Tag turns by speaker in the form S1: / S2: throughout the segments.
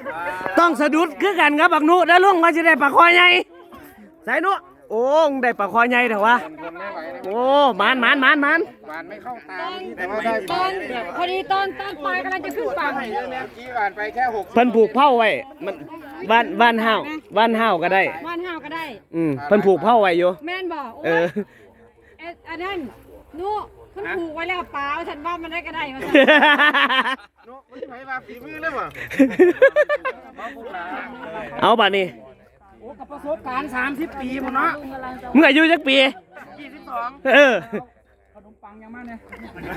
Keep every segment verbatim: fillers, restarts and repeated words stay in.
S1: ต้องสะดุดคือกันครับบักนุแล้วลุงก็จะได้ปลาคอใหญ่ใส่นุโอ้ได้ปลาคอใหญ่เถอะวะโอ้มันมันมันมัน
S2: หวานไม่เข้าตาแต่ว่า
S3: ต
S2: ได้
S3: อนพอดีตอนตอนปลายกำลังจะขึ้นฝั่ง
S2: กี้หวานไปแค่หก
S1: เพิ่นผูกเผาไว้มันบ้านบ้านห้าวบ้านห้าวก็ได้
S3: ว่านห้าวก็ได้
S1: อืมเพิ่นผูกเผาไว้อยู่
S3: แม่นบอก
S1: เออ
S3: เอ๊ะอันนั้นนู้ขึ้นผูกไว้แล้วเปล่าฉันว่ามันได้ก็ได้มา
S2: โน้ตไม่ใช่มาฝีมือเลยมั้ง
S1: เอาบัดนี้
S2: โอ้กับประสบการณ์สามสิบปีมั้งเนาะ
S1: มึงอายุจักปี
S2: ยี่สิบสอง
S1: เออ
S2: ขนมปังยังมาเนี่ย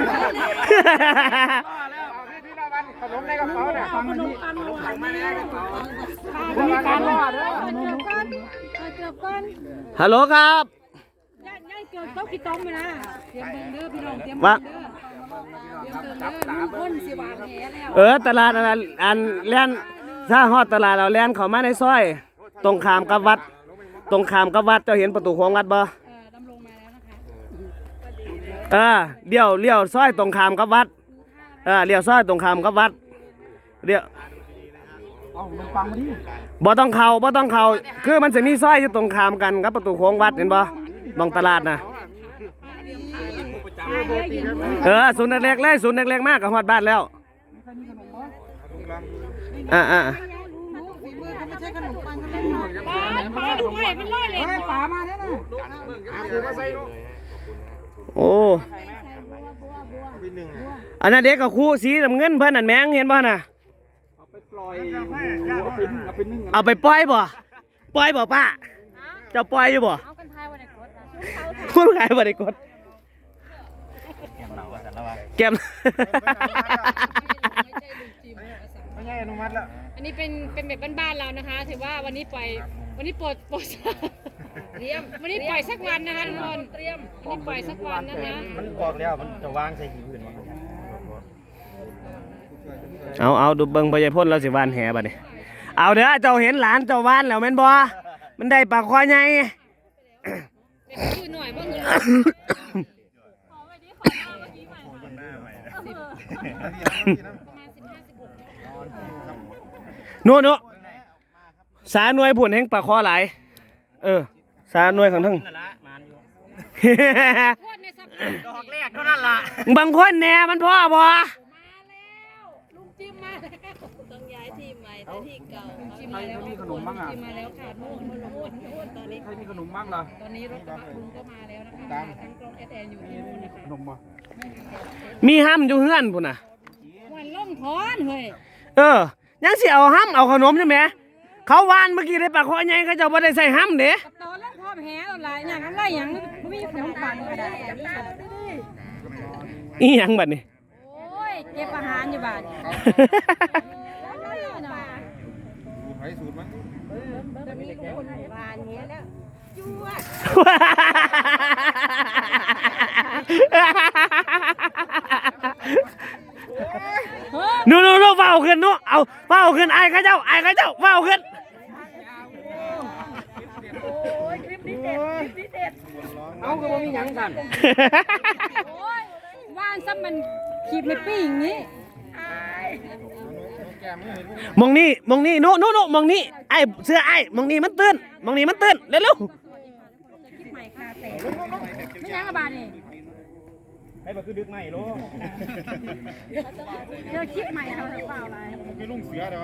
S2: แล้วเอาที่ที่ละวันขนมในกระเป๋าเนี่ยขนมปังขนมปังมาในกระเป๋ามีการรอดด้วย
S3: เกือบก้อนเกือบก้อน
S1: ฮัลโหลครับ
S3: ย่าย่าเกือบต้องกี่ต้มเลยนะเตรียมเบิ่งเด้อพี่น้องเตรียม
S1: ว่า
S3: เบิ่งเด้อเตรียมเบิ่งเด้อลุงพ่นสิหวานแหแล้ว
S1: เออตลาดอันนั้นอันแล่นถ้าฮอดตลาดเราแล่นเข้ามาในซอย ตรงข้ามกับวัด ตรงข้ามกับวัดเจ้าเห็นประตูของวัดบ่
S3: เออดำลงมาแล้วนะคะ
S1: เออเลี้ยวเลี้ยวซอยตรงข้ามกับวัดเออเลี้ยวซอยตรงข้ามกับวัดเลี้ยว
S2: เอาขนมปังมาดิ
S1: บ่ต้องเข้าบ่ต้องเข้าคือมันจะมีซอยอยู่ตรงข้ามกันกับประตูของวัดเห็นบ่ตรงตลาดน่ะเออศูนย์เล็กๆเลยศูนย์เล็กๆมากกับฮอดบ้านแล้วอ่าอ่า
S3: ปลาปลาดูไว้เป็นร้อยเลย
S2: ป่ามาเนี่ยนะคือมาใส่ลูก
S1: โอ้อันนั้นเด็กกับครูสีน้ำเงินเพิ่นนั่นแมงเห็นบ่น่ะ
S2: ปล่อยเอาไปเอาไปนึ่ง
S1: เอาไปปล่อยบ่ปล่อยบ่ป้าเจ้าปล่อยอยู่บ่
S3: เอากันทายวันไหนกดนะ
S1: คุณขายบ่ได้กดแก้ม
S2: ไม่ใช่อนุมัติแล้ว
S3: อันนี้เป็นเป็นแบบบ้านๆเรานะคะถือว่าวันนี้ปล่อยวันนี้ปลดปลดเตรียมวันนี้ปล่อยสักวันนะคะทุกคนเตรียมวันนี้ปล่อยสักวันนะคะ
S2: มันบอกแล้วมันจะวางใส่หินอื่นมั้ง
S1: เอาเอาดูเบิ่งพญายพ่นเราสิวานแหบัดนี้เอาเด้อเจ้าเห็นหลานเจ้าวานแล้วแม่นบ่มันได้ปลาควายใหญ่
S3: คือหน่อยบ้างเลย
S1: นู่นนู่นสาหน่วยผุ่นแห่งปลาคอหลายเออสาหน่วยของทั้ง
S3: โคตรในสัป
S2: ดอกแรกเท่านั้นล่ะ
S1: บางคนแหน่มันพ่อบ่
S3: มาแล้วลุงจิมมาแล้วต้องย้ายทีมใหม่แต่ที่เก่าจิมมาแล้วมีขนมบ้างอ่ะจิมมาแล้วค่ะนู่นนู่นนู่นนู่นตอนนี้
S2: ใครมีขนมบ้างล่ะ
S3: ตอนนี้รถกระบะลุงก็มาแล้วนะคะทั้งกล้องแอดแอนอยู่ที่นู่นนะคะ
S2: ขนมบ่
S1: มีห้ำอยู่เฮือนพุ่นน่ะ
S3: วันล่มพอนเฮ้ย
S1: เออยังสิเอาห้ำเอาขนมใช่ไหมเขาวานเมื่อกี้ได้ปลาคอใหญ่เขาเจ้าบ่ได้ใส่ห้ำเด้
S3: กับตอนแล้วพอแพ้อะไรอย่างนั้นไรอย่างไม่มีขนมปังก็ได้
S1: อีหยังบัดนี้
S3: โอ้ยเก็บอาหารอยู่บ้าน
S2: ใครสูตรมั้ง
S3: บ้านนี้แล้วจั่ว
S1: นู่นนู่นเฝ้าขึ้นนู่นเอาเฝ้าขึ้นไอ้ข้าเจ้าไอ้ข้าเจ้าเฝ้าขึ้น
S2: เอาก็บ่มีหยังกัน
S3: โอ้ยว่านซ้ำมันขีดไม่ปี้อย่างนี้
S1: มองนี่มองนี่นู่นนู่นนู่นมองนี่ไอ้เสื้อไอ้มองนี่มันตื้นมองนี่มันตื้นเร็วเร็ว
S3: ใหม่คาเต้ไม่ยังกับบานนี่
S2: ให้มาคือดึกใหม่โล
S3: เจอคลิปใหม่เราหรือเปล่าอะไร
S2: คือลุงเสือเด้อ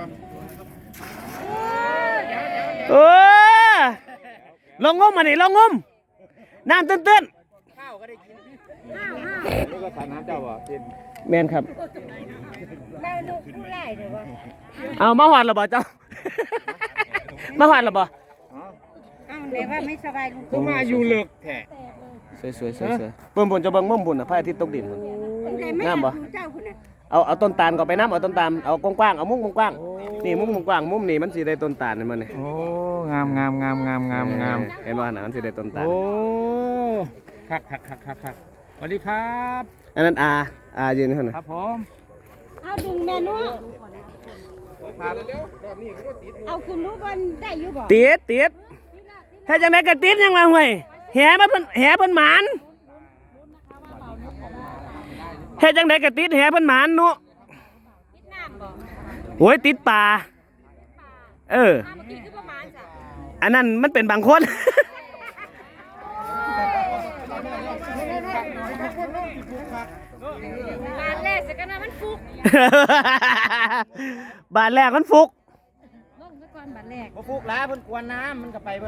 S1: เออลงงมมานี่ลงงมน้ำตื้นตื้น
S3: ห้าวห้าว
S2: แล้วก็ทานน้ำเจ้าบ่กิน
S1: แมนครับ
S3: ได้ลูกผู้ไล่เดี๋ยวว่า
S1: เอามาหวานหรอบ่เจ้า มาหวานหรอบ่
S3: อ้าวเดี๋ยวว่าไม่สบายลุง
S2: ก็มาอยู่เลิกแท้
S1: สวยสวยสวยสวยปุ่นปุ่นจะเบิ่งมุมปุ่นอ่ะพระอาทิตย์ตกดินพุ่นงามบ่
S3: เจ้าคุณน่ะ
S1: เอาเอาต้นตาลก็ไปน้ำเอาต้นตาลเอากว้างๆเอามุมกว้างๆนี่มุมกว้างมุมนี่มันสิได้ต้นตาลนี่มันนี่
S2: โอ้งามงามงามงามงามงาม
S1: เห็นบ่น่ะมันสิได้ต้นตาล
S2: โอ้คักคักคักคักคักสวัสดีครับ
S1: อันนั้นอาอายืนอยู่นั่น
S2: ค
S1: น่ะ
S2: รับผม
S3: เอาดึงแม่นู้เอาคุณรู้วันได้อยู่บ่
S1: ติดติดถ้าจังได๋ก็ติดยังว่าห่วยแหมันเพิ่นแหเพิ่นหมานเฮ็ดจังได๋ก็ติดแหเพิ่นหมานเนาะ
S3: คิดน้ำบ่
S1: โอ้ยติดป่าเออ
S3: เมื่อกี้คือประมาณจ้ะ
S1: อันนั้นมันเป็นบางคน
S3: บานแรกสักกันนะมันฟุก
S1: บาทแรกมันฟุก
S3: ลงซะก่อนบานแรก
S2: พวกล้าเพิ่นกวนน้ำมันก็ไป